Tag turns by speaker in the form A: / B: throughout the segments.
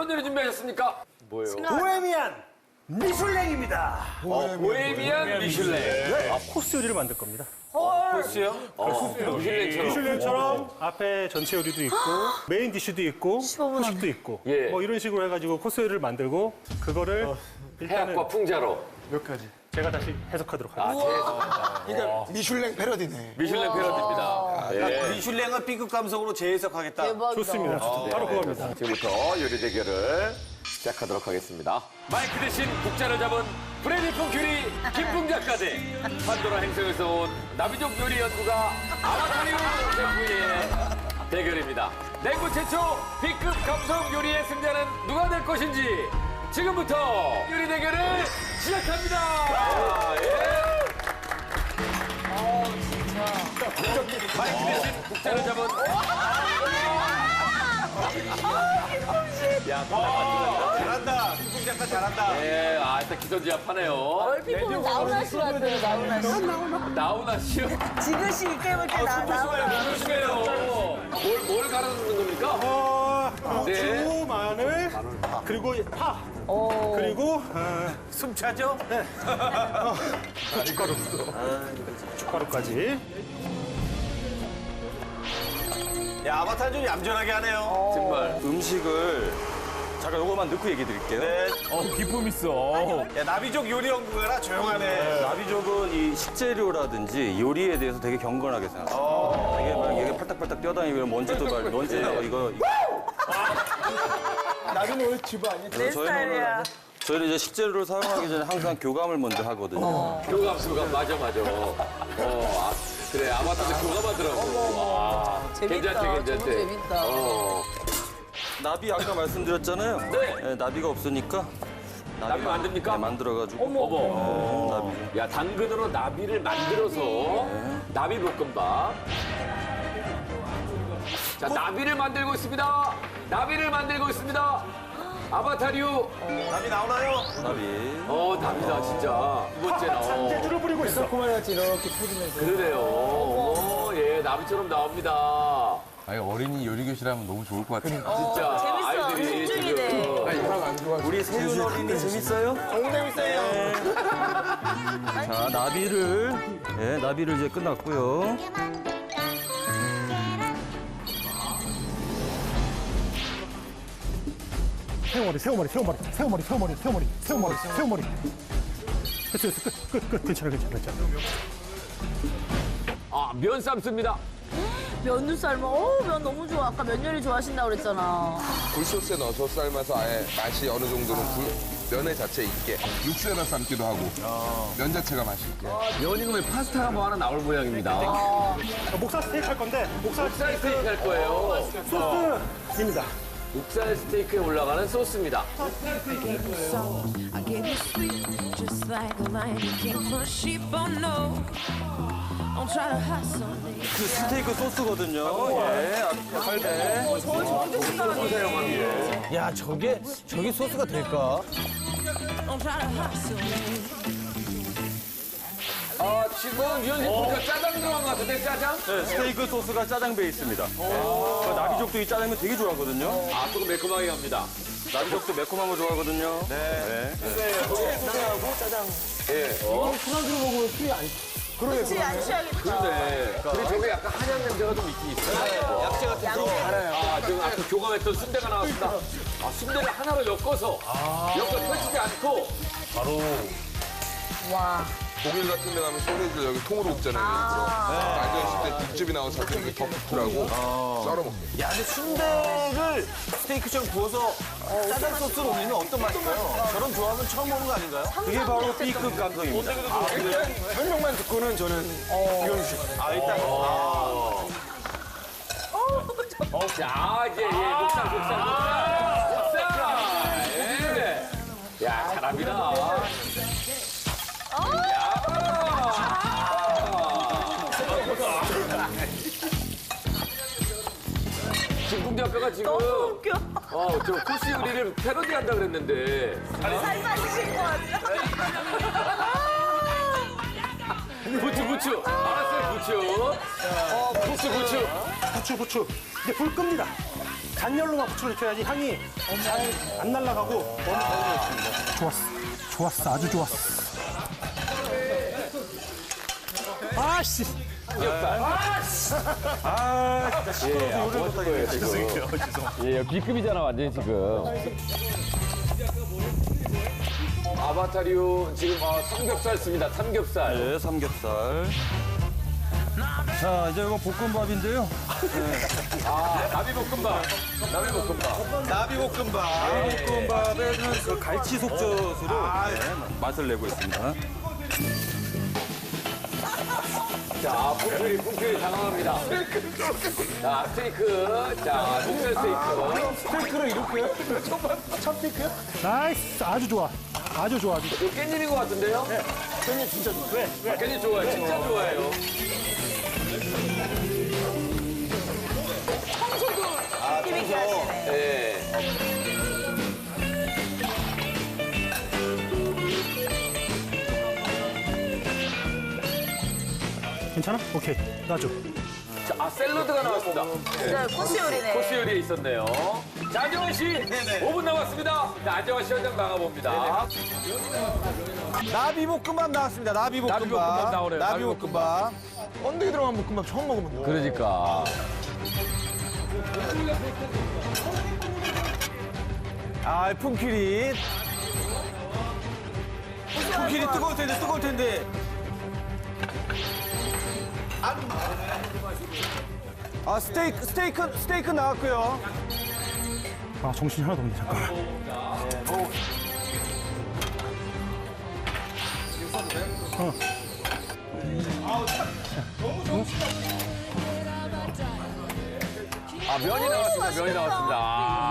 A: 어떤 요리 준비하셨습니까? 뭐예요?
B: 보헤미안 미슐랭입니다.
A: 보헤미안 미슐랭.
B: 네. 코스 요리를 만들 겁니다.
A: 코스요? 미슐랭처럼.
B: 미슐랭처럼 앞에 전체 요리도 있고 메인 디쉬도 있고 후식도 있고
A: 예.
B: 뭐 이런 식으로 해가지고 코스 요리를 만들고 그거를 일단은
A: 해학과 풍자로.
C: 몇 가지?
B: 제가 다시 해석하도록 하겠습니다.
C: 그러니까 미슐랭 패러디네.
A: 미슐랭 패러디입니다. 예.
D: 미슐랭을 B급 감성으로 재해석하겠다.
B: 좋습니다. 바로 그겁니다.
A: 지금부터 요리 대결을 시작하도록 하겠습니다. 마이크 대신 국자를 잡은 프레디 펑큐리 김풍 작가 대 판도라 행성에서 온 나비족 요리 연구가 아바타리오 셰프의 대결입니다. 냉구 최초 B급 감성 요리의 승자는 누가 될 것인지 지금부터 요리 대결을 시작합니다. 마이크 대신 국자를 잡은 야,
D: 잘한다. 김풍 작가 잘한다.
A: 네, 일단 기선제압하네요.
E: 얼핏 보면 나훈아 씨 같아요, 나훈아 씨.
A: 나훈아 씨요?
E: 지그시 게임을 때 나훈아.
A: 조심해요. 뭘 가르는 겁니까? 네.
B: 고추, 마늘, 그리고 파, 그리고
D: 숨 차죠?
B: 숟가루까지.
D: 야, 아바타 좀 얌전하게 하네요.
A: 정말.
F: 음식을 잠깐 요거만 넣고 얘기 드릴게요.
D: 네.
A: 기품 있어.
D: 야, 나비족 요리 연구가라 조용하네.
F: 나비족은 이 식재료라든지 요리에 대해서 되게 경건하게 생각해요. 이게 막 이게 팔딱팔딱 뛰어다니고 먼지도 말 먼지 이거
C: 나비는 원래 집 아니야?
E: 내 스타일이야.
F: 저희는 이제 식재료를 사용하기 전에 항상 교감을 먼저 하거든요.
A: 교감, 맞아. 그래, 아마타도 교감하더라고.
E: 재밌다. 너무 재밌다.
F: 나비 아까 말씀드렸잖아요.
A: 네.
F: 나비가 없으니까
A: 나비 만듭니까?
F: 네, 만들어가지고.
A: 어머.
F: 나비.
A: 야, 당근으로 나비를 만들어서 나비 볶음밥. 자, 나비를 만들고 있습니다. 아바타류.
D: 나비 나오나요?
F: 나비.
A: 나비다, 진짜. 두 번째
B: 재주를 부리고 있어.
C: 코마같이 이렇게 퍼지면서.
A: 그러네요. 예, 나비처럼 나옵니다.
G: 아니 어린이 요리 교실하면 너무 좋을 것 같아요.
A: 진짜.
E: 재밌어.
A: 아이들이
E: 집중이네.
A: 지금.
C: 이상 안 좋아.
F: 우리 세윤 어린이 재밌어요?
D: 너무 재밌어요.
F: 자, 나비를 이제 끝났고요.
B: 새우머리. 됐어. 끝. 괜찮아.
A: 면 삶습니다.
E: 면도 삶아. 면 너무 좋아. 아까 면 요리 좋아하신다고 그랬잖아.
G: 굴소스에 넣어서 삶아서 아예 맛이 어느 정도는 면의 자체에 있게 육수에다 삶기도 하고 면 자체가 맛이 있게.
A: 면이면 왜 파스타가 뭐 하나 나올 모양입니다.
B: 목살 스테이크 할 건데 목살
A: 목살 스테이크 할 거예요.
B: 소스입니다.
A: 목살 스테이크에 올라가는 소스입니다.
H: I gave you sleep just like a lion who came for sheep. Oh no, don't try to hustle me.
F: 그 스테이크 소스거든요. 예, 팔배.
D: 야, 저게 소스가 될까?
H: Don't try to hustle me.
A: 지금 유현진 보니까 짜장 들어간 것 같은데, 짜장?
F: 네, 스테이크 소스가 짜장 베이스입니다. 나비족도 이 짜장면 되게 좋아하거든요.
A: 조금 매콤하게 갑니다.
F: 나비족도 매콤한 거 좋아하거든요. 네.
E: 그치, 안 취하겠다.
A: 네. 그리고 저게 약간 한약 냄새가 좀 있긴 있어요.
D: 약재 같은 거.
A: 지금 아까 교감했던 순대가 나왔습니다. 순대를 하나로 엮어서 펼치지 않고
E: 와.
G: 독일 같은 데 가면 소세지를 여기 통으로 굽잖아요. 앉아있을 때 육즙이 나와서 자꾸 이렇게 덮으라고 썰어 먹게.
D: 야, 근데 순대를 스테이크처럼 구워서 짜장 소스로 올리면 어떤 맛일까요? 저런 조합은 처음 보는 거 아닌가요?
F: 그게 바로 B급 감성입니다.
C: 설명만 듣고는 저는 이건
D: 일단.
A: 자, 이제 목살. 예. 야, 잘합니다. 김풍대학교가 지금
E: 너무 웃겨.
A: 저 코스 요리를 패러디한다 그랬는데
E: 살 빠지신 것 같아.
A: 부추 알았어요 부추 부추
B: 부추. 이제 불 끕니다. 단열로만 붙여줘야지 향이 안 날아가고 너무 좋았어. 좋았어. 아주 좋았어. 아씨.
F: 진짜 시끄러워서 요리를 못하겠네.
A: 죄송해요. 예, B급이잖아, 완전히 지금. 아바타류 지금 삼겹살 씁니다. 삼겹살.
F: 네, 삼겹살. 자, 이제 이거 볶음밥인데요.
A: 나비볶음밥. 나비볶음밥.
D: 나비볶음밥.
F: 볶음밥에는 그 갈치 속젓으로 맛을 내고 있습니다.
A: 자, punk큐리 당황합니다. 자, 스테이크. 자, 목살 스테이크.
C: 스테이크를 이렇게요? 첫 스테이크요?
B: 나이스. 아주 좋아. 아주 좋아. 아주.
A: 이거 깻잎인 것 같은데요? 네.
C: 깻잎 진짜 좋아.
B: 왜?
A: 깻잎 좋아해요. 진짜 좋아해요.
E: 재밌게 하시네.
A: 네.
B: 괜찮아? 오케이. 놔줘.
A: 자, 샐러드가 나왔습니다.
E: 네, 코스 요리네.
A: 코스 요리에 있었네요. 자, 안정환 씨. 5분 남았습니다. 자, 안정환 씨 현장 나가봅니다.
D: 나비볶음밥 나왔습니다. 나비볶음밥.
A: 나비볶음밥 나오네요.
D: 나비볶음밥.
C: 번데기 들어간 볶음밥 처음 먹어본다.
A: 그러니까.
D: 아, 품키리. 품키리 뜨거울 텐데. 아, 스테이크 나왔고요.
B: 아, 정신이 하나도 없네. 잠깐만.
A: 면이 나왔습니다. 면이 나왔습니다.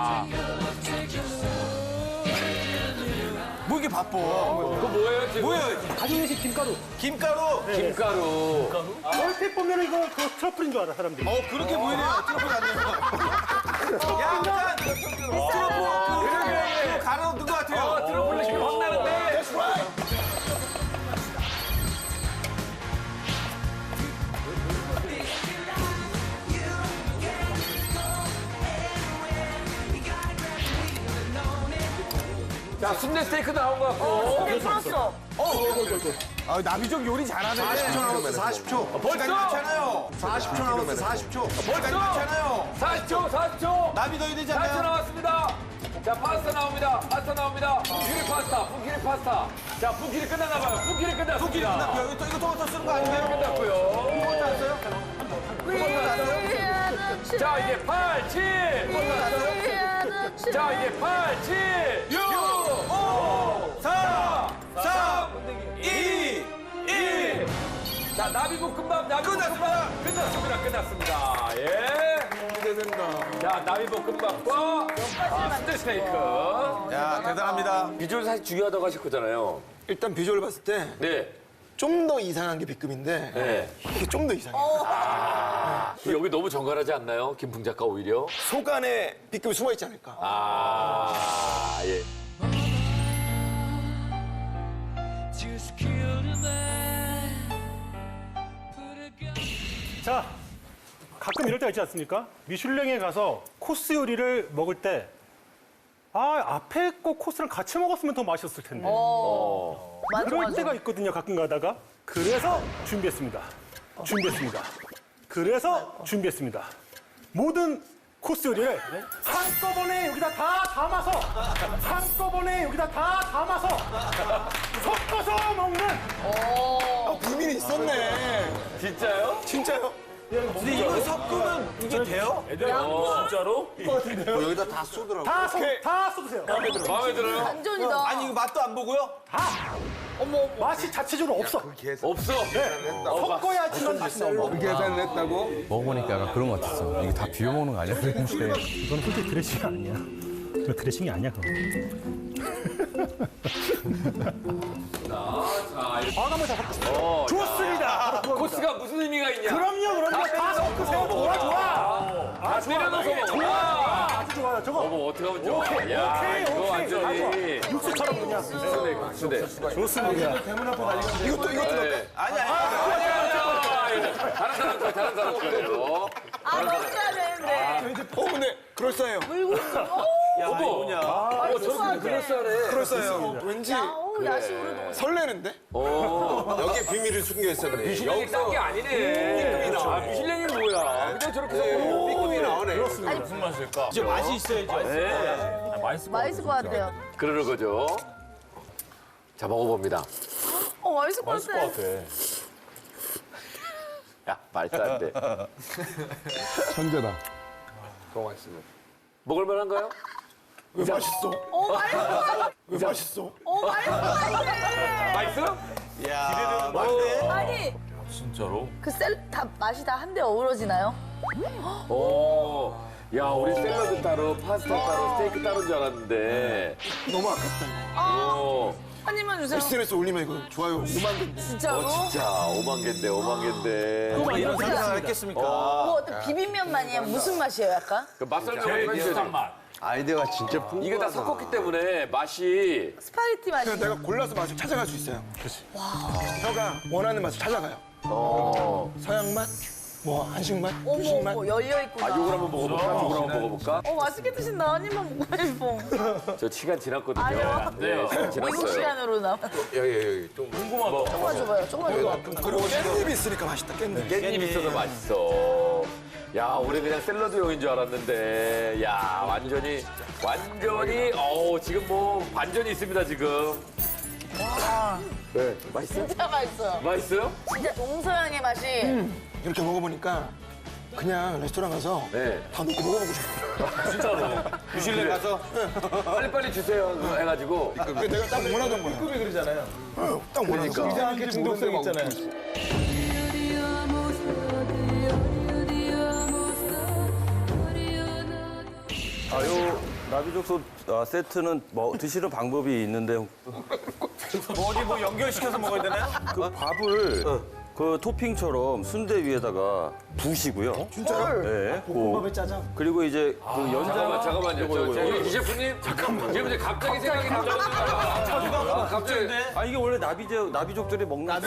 D: 뭐 이렇게 바빠?
A: 그거 뭐예요, 지금?
D: 뭐예요?
B: 가정식 김가루.
D: 김가루?
A: 김가루.
B: 얼핏 보면 이거 그 트러플인 줄 알아, 사람들이.
D: 그렇게 보이네요. 트러플 같네요. 약간 트러플 그 가루 넣은 것 같아요.
A: 트러플 느낌 확 나는데. 자, 순대 스테이크 나온 것 같고.
E: 근데 풀었어.
D: 아, 나비족 요리 잘하네. 40초 남았어, 40초.
A: 벌써?
D: 괜찮아요. 40초 남았어, 40초.
A: 벌써?
D: 괜찮아요.
A: 40초.
D: 나비 넣어야 되지
A: 40초
D: 않나요?
A: 나왔습니다. 자, 파스타 나옵니다. punk키리 파스타. 자, punk키리 끝났나봐요. punk키리 끝났습니다.
D: 토끼리 끝났고요. 이거 토마토 쓰는 거 아닌가요?
A: 끝났고요.
D: 토마토 안 써요?
A: 자, 이제 8, 7. 자, 이제 8, 7, 6, 5, 4, 3, 2, 1. 자, 나비볶음밥. 끝났습니다. 예.
C: 기대된다.
A: 자, 나비볶음밥과 순대 스테이크.
D: 야, 대단합니다.
A: 비주얼 사실 중요하다고 하실 거잖아요.
C: 일단 비주얼 봤을 때 좀
A: 네.
C: 더 이상한 게 B급인데
A: 네.
C: 이게 좀 더 이상해.
A: 여기 너무 정갈하지 않나요? 김풍 작가 오히려?
C: 속 안에 B급이 숨어 있지 않을까.
A: 예.
B: 자, 가끔 이럴 때가 있지 않습니까? 미슐랭에 가서 코스 요리를 먹을 때, 앞에 거 코스랑 같이 먹었으면 더 맛있었을 텐데. 그럴 때가 있거든요, 가끔 가다가. 그래서 준비했습니다. 모든 코스 요리를 한꺼번에 여기다 다 담아서 섞어서 먹는
C: 비밀이 있었네.
A: 진짜요?
C: 진짜요?
D: 근데 이걸 섞으면 이게 돼요?
A: 진짜로?
B: 다 쏟으세요.
A: 마음에 들어요?
E: 완전이다.
D: 아니, 이거 맛도 안 보고요?
B: 맛이 자체적으로 없어.
A: 없어.
B: 섞어야지만 맛이 나오고.
G: 그 계산을 했다고?
I: 먹어보니까 약간 그런 것 같았어. 이게 다 비벼 먹는 거 아니야? 그랬는데
B: 이건 솔직히 드레싱이 아니야. 그거 드레싱이 아니야, 그거. 한번 더 섞어. 좋습니다.
A: 코스가 무슨 의미가 있냐?
B: 그럼요. 다 섞으세요. 좋아.
A: 다 내려놓고 먹어.
B: 좋아. 아주 좋아요. 저거.
A: 어떻게 하면 좋아? 야, 이거 완전히.
B: 육수처럼 그냥.
A: 순대.
B: 좋습니다.
C: 이것도
A: 네. 아니야. 다른 사람 거예요.
E: 먹어야 되는데.
C: 근데 그럴싸해요.
E: 물고 있어.
A: 저렇게 그럴싸하네.
C: 그럴싸해요. 왠지
E: 야식으로
C: 설레는데?
G: 여기에 비밀을 숨겨 있었네.
A: 미슐랭이 딴 게 아니네. 아, 미슐랭이 뭐야. 그냥 저렇게 해서
G: 삐끔이 나오네.
D: 무슨 맛일까? 진짜 맛이 있어야죠.
E: 맛있을 것 같아요.
A: 그러는 거죠. 자, 먹어봅니다.
E: 맛있을 것 같아.
A: 야, 말도 안 돼.
G: 천재다. 너무 맛있습니다.
A: 먹을만한가요?
C: 왜 맛있어?
E: 맛있어.
C: 왜 맛있어?
A: 맛있어요?
D: 야, 맛있네.
E: 아니,
D: 진짜로?
E: 다 맛이 다 한데 어우러지나요?
A: 오. 야, 우리 샐러드 따로, 파스타 따로, 스테이크 따로인 줄 알았는데.
C: 너무 아깝다 이거.
A: 오.
E: 한 입만 주세요.
C: SNS 올리면 이거 좋아요 5만 개인데.
E: 진짜로?
A: 진짜 5만 개인데, 5만 개인데.
D: 이런 생각을 했겠습니까?
E: 뭐 어떤 비빔면만이야? 무슨 맛이에요, 약간?
A: 그 맛설 좀 해주세요.
G: 아이디어가 진짜
A: 이게 다 섞었기 때문에 맛이
E: 스파게티 맛이.
C: 그래서 내가 골라서 맛을 찾아갈 수 있어요. 그렇지. 혀가 원하는 맛을 찾아가요. 서양 맛, 뭐 한식 맛,
E: 어머,
C: 후식 맛.
E: 어머, 열려있구나.
A: 요걸 한번 먹어볼까? 요걸 한번 먹어볼까?
E: 맛있게 드신다. 한 입만 먹고 싶어.
A: 저 시간 지났거든요.
E: 아니요.
A: 네, 시간
E: 미국
A: 지났어요.
E: 시간으로 나.
G: 여기 좀
E: 조금만 줘봐요, 조금만 줘봐.
C: 그리고 깻잎이 있으니까 맛있다 깻잎.
A: 깻잎 있어서 맛있어. 야, 우리 그냥 샐러드용인 줄 알았는데, 야, 완전히, 지금 뭐, 반전이 있습니다, 지금.
E: 와,
A: 네, 맛있어요?
E: 진짜 맛있어요.
A: 맛있어요?
E: 진짜 동서양의 맛이.
C: 이렇게 먹어보니까 그냥 레스토랑 가서
A: 네.
C: 다 놓고 먹어보고 싶어.
D: 미슐랭 가서
A: 빨리빨리 주세요, 그거 해가지고.
C: 그게 내가 딱 원하던 거야.
D: 급이 그러잖아요.
C: 딱 원하던 거야.
D: 이상하게 중독성 있잖아요.
F: 요 나비족소 세트는 드시는 방법이 있는데
D: 어디 뭐 연결시켜서 먹어야 되나요?
F: 그 밥을 그 토핑처럼 순대 위에다가 부시고요.
C: 진짜요?
F: 네.
D: 볶음밥에 짜장.
F: 그리고 이제 그 연장
A: 잠깐만요. 우리 이 셰프님, 잠깐만. 지금 이제 갑자기 생각이 나잖아요. 갑자기.
F: 아 이게 원래 나비족들이 먹는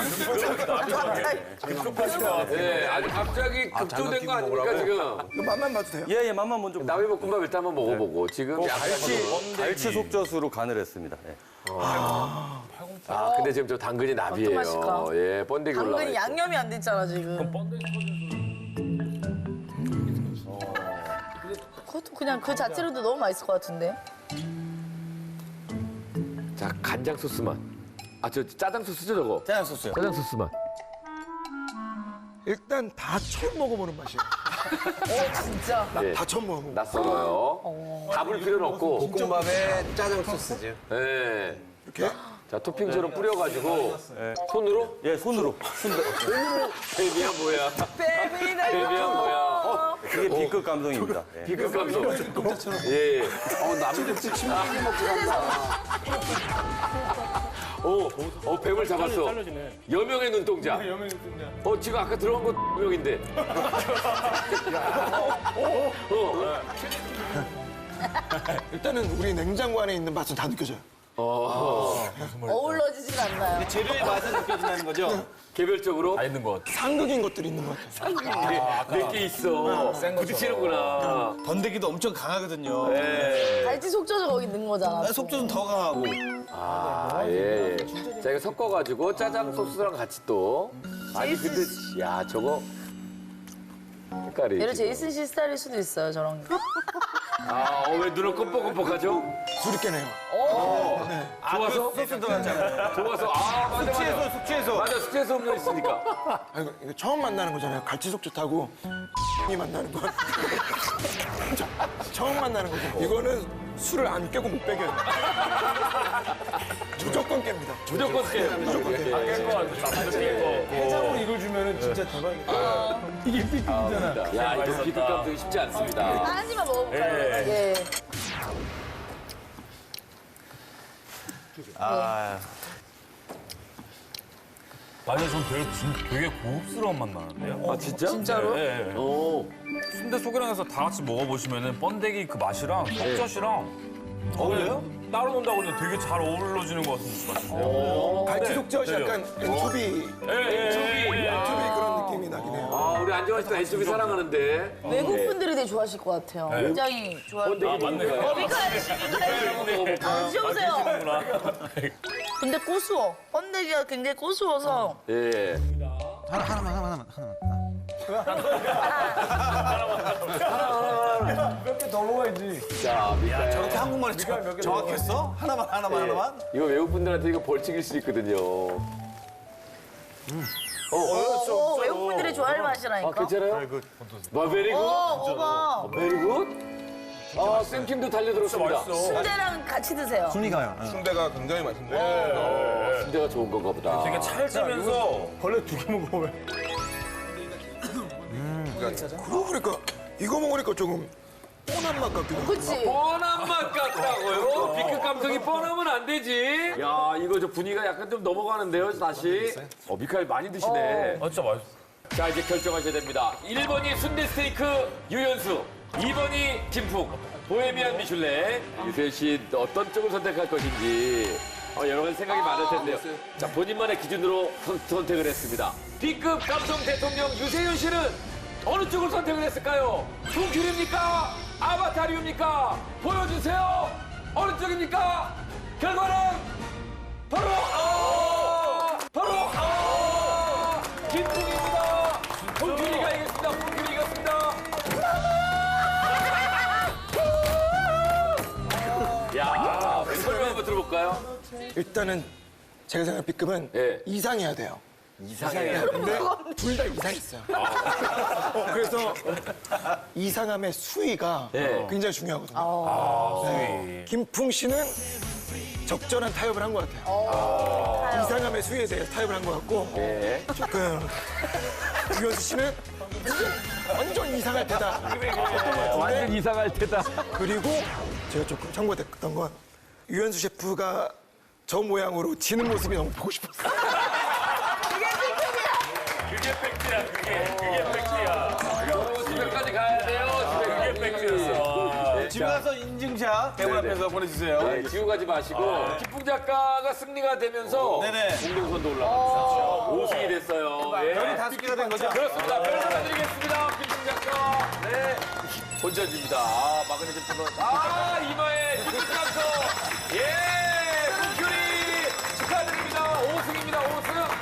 A: 네, 아니, 갑자기 급조된 거 아닙니까, 지금?
C: 이거 맛만 봐도 돼요?
F: 예예 맛만 먼저
A: 나비볶음밥 일단 한번 먹어보고. 지금 약간
F: 갈치 속젓으로 간을 했습니다. 예.
A: 근데 지금 저 당근이 나비예요.
E: 맛일까?
A: 예, 번데기 올라가
E: 당근이
A: 있고.
E: 양념이 안 됐잖아, 지금. 그것도 그냥 그 자체로도 너무 맛있을 것 같은데.
A: 자, 간장 소스 맛. 저 짜장 소스죠, 저거?
D: 짜장 소스요.
A: 짜장 소스 맛.
C: 일단 다 처음 먹어보는 맛이에요.
E: 진짜.
A: 예,
C: 다 처음 먹어보고.
A: 낯설어요. 답을 필요는 없고.
G: 볶음밥에 짜장 소스지.
A: 예.
C: 이렇게?
A: 자, 토핑처럼 뿌려가지고. 손으로?
F: 예 손으로.
A: 베비야, 뭐야.
E: 베비네.
A: 베비야, 뭐야.
F: 그게 B급 감성입니다. 예.
A: 비급 감성. 예. 남들 침묵이 먹고 뱀을 잡았어.
B: 잘라지네.
A: 여명의 눈동자. 지금 아까 들어간 거 여명인데.
C: 일단은 우리 냉장고 안에 있는 맛은 다 느껴져요.
E: 어울러지진 않나요?
D: 재료의 맛은 느껴진다는 거죠?
A: 개별적으로
C: 상극인 것들이 있는 것 같아요.
A: 몇 개 있어. 부딪히는구나.
D: 번데기도 엄청 강하거든요.
E: 갈치 속젓을 거기 넣은 거잖아.
D: 속젓은 더 강하고.
A: 예. 자, 이거 섞어가지고 짜장 소스랑 같이 또. 아니, 근데, 야, 저거. 색깔이.
E: 얘를
A: 지금.
E: 제이슨 씨 스타일일 수도 있어요, 저런 게.
A: 왜 눈을 껌뻑껌뻑하죠?
C: 술이 깨네요.
A: 좋아서?
D: 소스 들어갔잖아요.
A: 좋아서. 맞아.
D: 숙취해소.
A: 맞아, 숙제에서 음료 있으니까.
C: 이거 처음 만나는 거잖아요. 갈치속젓하고 이 만나는 건. 처음 만나는 거죠. 이거는 술을 안 깨고 못 빼겨요. 무조건 깹니다.
A: 무조건 깨. 무조건 깨.
D: 해장으로 이걸 주면은 진짜 대박이다. 이게 삐끗이잖아.
A: 야, 이거 비급 감독이 쉽지 않습니다.
E: 한 입만 먹어볼까요? 예.
J: 아니, 전 되게 고급스러운 맛 나는데요?
A: 진짜?
E: 진짜로?
J: 네. 순대 소개랑해서 다 같이 먹어보시면은 번데기 그 맛이랑 속젓이랑
D: 어울려요?
J: 따로 논다고 그러는데 되게 잘 어우러지는 것 같은데요.
C: 갈치 속젓이
J: 네.
C: 약간 엔초비 그런 느낌이 나긴 해요.
A: 아, 우리 안정환 씨도 엔초비 사랑하는데.
E: 외국 분들이 되게 좋아하실 것 같아요. 굉장히 좋아요.
A: 맞네요.
E: 미카엘 씨, 미카엘 씨. 아, 드셔보세요. 근데 고수워. 번데기가 굉장히 고수워서.
A: 예.
D: 하나만.
A: 자, 미카엘.
D: 저렇게 한국말이 정확했어? 하나만.
A: 이거 외국 분들한테 이거 벌칙일 수 있거든요.
E: 외국 분들이 좋아할
A: 아,
E: 맛이라니까.
A: 괜찮아요? 베리 굿?
E: 오빠.
A: 베리 굿? 아, 쌤킴도 달려들었습니다.
E: 순대랑 같이 드세요.
G: 순대가 굉장히 맛있는데.
A: 순대가 좋은 건가 보다.
J: 되게 찰지면서
B: 벌레 2개 먹어요.
C: 그러고 보니까 이거 먹으니까 조금 뻔한 맛 같기도 하고.
E: 그치?
A: 뻔한 맛 같다고요? B급 감성이 뻔하면 안 되지. 야, 이거 저 분위기가 약간 좀 넘어가는데요, 다시. 미카엘 많이 드시네.
J: 아, 진짜 맛있어.
A: 자, 이제 결정하셔야 됩니다. 1번이 순대 스테이크 유연수, 2번이 김풍, 보헤미안 미슐랭. 유세윤 씨 어떤 쪽을 선택할 것인지 여러 가지 생각이 많을 텐데요. 자, 본인만의 기준으로 선택을 했습니다. B급 감성 대통령 유세윤 씨는 어느 쪽을 선택을 했을까요? 풍큐리입니까? 아바타리입니까? 보여주세요. 어느 쪽입니까? 결과는 바로 김풍입니다. 풍큐리가 이겼습니다. 풍큐리 이겼습니다. 야, 설명 한번 들어볼까요?
C: 일단은 제가 생각하는 B급은
A: 예.
C: 이상해야 돼요.
A: 이상해요.
C: 근데 둘 다 이상했어요. 그래서 이상함의 수위가
A: 예.
C: 굉장히 중요하거든요. 네. 김풍 씨는 적절한 타협을 한 것 같아요. 이상함의 수위에 대해서 타협을 한 것 같고
A: 예.
C: 조금 유현수 씨는 완전 이상할 테다.
A: 완전 이상할 테다.
C: 그리고 제가 조금 참고됐던 건 유현수 셰프가 저 모양으로 지는 모습이 너무 보고 싶었어요.
J: 그게 팩트야, 그게 팩트야.
A: 집에까지 가야 돼요.
J: 그게 팩트였어.
D: 집에 가서 인증샷 대본 앞에서 보내주세요.
A: 네, 지우 가지 마시고 김풍 작가가 승리가 되면서
D: 네네.
A: 공동선도 올라갑니다. 5승이 됐어요. 예.
D: 별이 5개가 된 거죠?
A: 그렇습니다. 별 하나 드리겠습니다. 김풍 작가. 네. 본전입니다. 아, 마그네슘 터널. 아, 이마에 김풍 감성. 예. 풍큐리 축하드립니다. 5승입니다. 5승.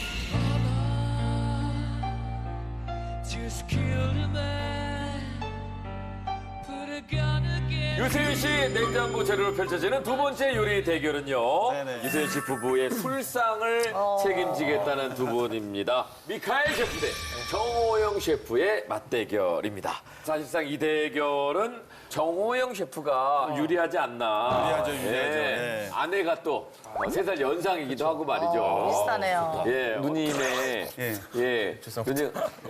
A: 유세윤 씨 냉장고 재료로 펼쳐지는 두 번째 요리 대결은요.
D: 네네.
A: 유세윤 씨 부부의 술상을 책임지겠다는 두 분입니다. 미카엘 셰프 대 정호영 셰프의 맞대결입니다. 사실상 이 대결은 정호영 셰프가 유리하지 않나.
D: 유리하죠. 네.
A: 아내가 또 3살 연상이기도 하고 말이죠.
E: 비슷하네요.
A: 예, 누님의 예, 누님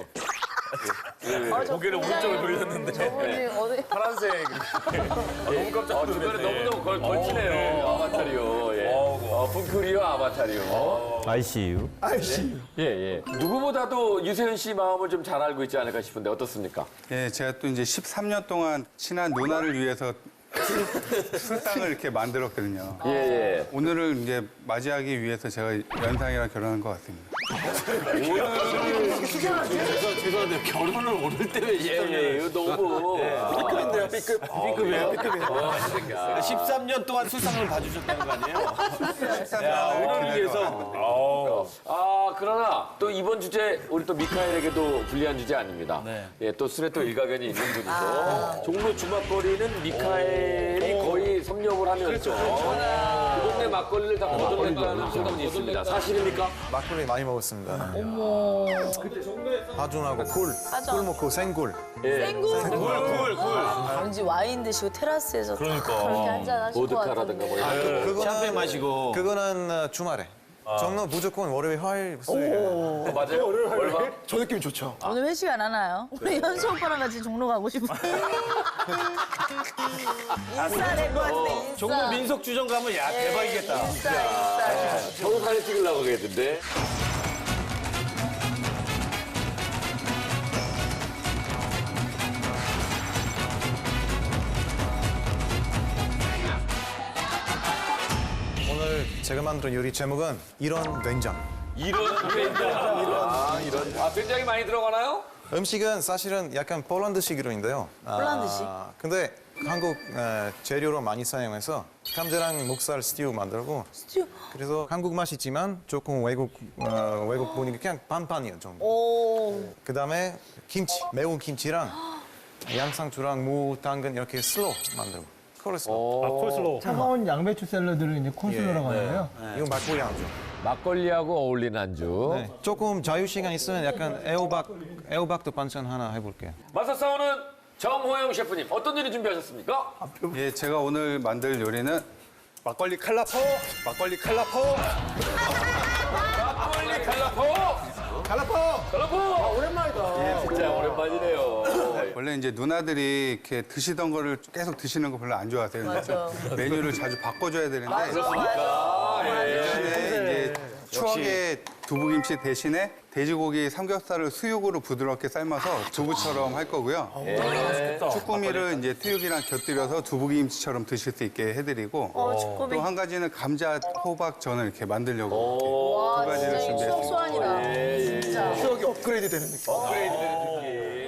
J: 고개를 오른쪽으로 돌렸는데.
E: 저분이 어디.
J: 파란색. 너무 깜짝
A: 주변에
J: 놀랐네.
A: 너무너무 걸치네요. 아바타리오. 예. 풍크리오 아바타리오.
I: ICU.
A: 예, 예. 누구보다도 유세윤 씨 마음을 좀 잘 알고 있지 않을까 싶은데 어떻습니까?
K: 예, 제가 또 이제 13년 동안 친한 누나를 위해서 술상을 이렇게 만들었거든요.
A: 예, 예.
K: 오늘을 이제 맞이하기 위해서 제가 연상이랑 결혼한 것 같습니다.
A: 죄송한데 결혼을 오늘 때 왜 예, 이거 너무
C: B급인데요, B급.
A: B급이에요? B급이에요.
D: 13년 동안 술상을 봐주셨다는 거 아니에요?
J: 오늘 위해서.
A: 아, 그러나 또 이번 주제 우리 또 미카엘에게도 불리한 주제 아닙니다. 예, 또 술에 또 일가견이 있는 분이죠. 종로 주막거리는 미카엘이 거의 섭렵을 하면서 그 동네 막걸리를 다 거둬낸다는 소문이 있습니다. 사실입니까?
L: 막걸리 많이 먹었습니다.
E: 어머.
L: 파전하고 굴 먹고 생굴.
A: 예.
E: 생굴. 왠지 와인 드시고 테라스에서 그렇게 한잔 하실 것
A: 보드카라든가 뭐
E: 같은데.
A: 이런 거.
D: 샴페인 마시고.
L: 그거는 주말에. 저는 무조건 월요일, 화요일, 수요일.
A: 맞아요? 월화?
C: 저 느낌 좋죠.
E: 오늘 회식 안 하나요? 우리 현수 오빠랑 같이 종로 가고 싶어요. 인싸 될것 같은데, 인싸.
D: 종로 민속주점 가면 야 대박이겠다.
E: 인싸.
A: 저도 사진 찍으려고 그랬는데.
L: 제가 만든 요리 제목은 이런 된장.
A: 이런 된장. 아, 된장이 많이 들어가나요?
L: 음식은 사실은 약간 폴란드식으로인데요.
E: 폴란드식?
L: 근데 한국 재료로 많이 사용해서 감자랑 목살 스튜 만들고.
E: 스튜?
L: 그래서 한국 맛이지만 조금 외국 분위기 그냥 반반이에요 좀.
E: 오.
L: 그다음에 김치, 매운 김치랑 양상추랑 무, 당근 이렇게 슬로 만들고. 콜슬로.
B: 콜슬로우.
C: 차가운 양배추 샐러드를 이제 콜슬로라고 하는데요.
L: 이건 막걸리 안주.
A: 막걸리하고 어울리는 안주.
L: 네. 조금 자유 시간 있으면 약간 애호박도 반찬 하나 해볼게요.
A: 맞서 싸우는 정호영 셰프님, 어떤 요리 준비하셨습니까?
K: 예, 제가 오늘 만들 요리는 막걸리 칼라포, 막걸리 칼라포.
A: 막걸리 칼라포! 오랜만이다. 예, 진짜 오랜만이네요.
K: 원래 이제 누나들이 이렇게 드시던 거를 계속 드시는 거 별로 안 좋아하세요.
E: 맞아.
K: 메뉴를 자주 바꿔줘야 되는데
A: 그렇습니까?
K: 예전에 이제 추억의 두부김치 대신에 돼지고기 삼겹살을 수육으로 부드럽게 삶아서 두부처럼 할 거고요. 쭈꾸미를 이제 트육이랑 곁들여서 두부김치처럼 드실 수 있게 해드리고
E: 쭈꾸미.
K: 또 한 가지는 감자 호박전을 이렇게 만들려고 두 가지를
E: 진짜 이 추억
K: 준비했습니다.
E: 소환이다. 진짜.
C: 추억이 업그레이드 되는 느낌.
A: 업그레이드 되는 느낌.